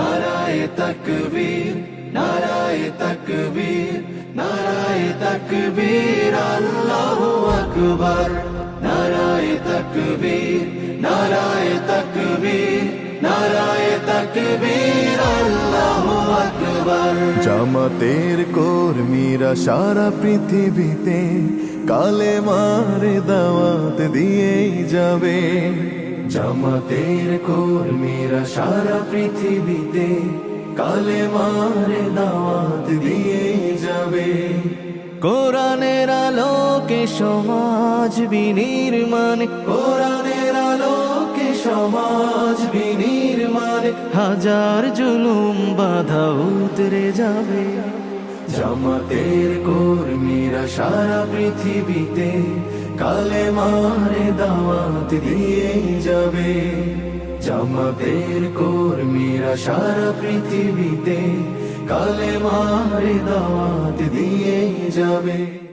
নারায়ে তাকবীর, নারায়ে তাকবীর, নারায়ে তাকবীর, আল্লাহু আকবার। নারায়ে তাকবীর, নারায়ে তাকবীর, নারায়ে তাকবীর, আল্লাহু আকবার। জামাতের কর্মীরা সারা পৃথিবীতে কালেমার দাওয়াত দিয়েই যাবে। জামাতের কর্মীরা সারা পৃথিবীতে কালেমার দাওয়াত দিয়ে যাবে। কোরআনের আলোকে সমাজ বিনির্মাণ, কোরআনের আলোকে সমাজ বিনির্মাণ, হাজার জুলুম বাধা উতরে যাবে। জামাতের কর্মীরা সারা পৃথিবীতে কালেমার দাওয়াত দিয়ে যাবে। জামাতের কর্মীরা সারা পৃথিবীতে কালেমার দাওয়াত দিয়ে যাবে।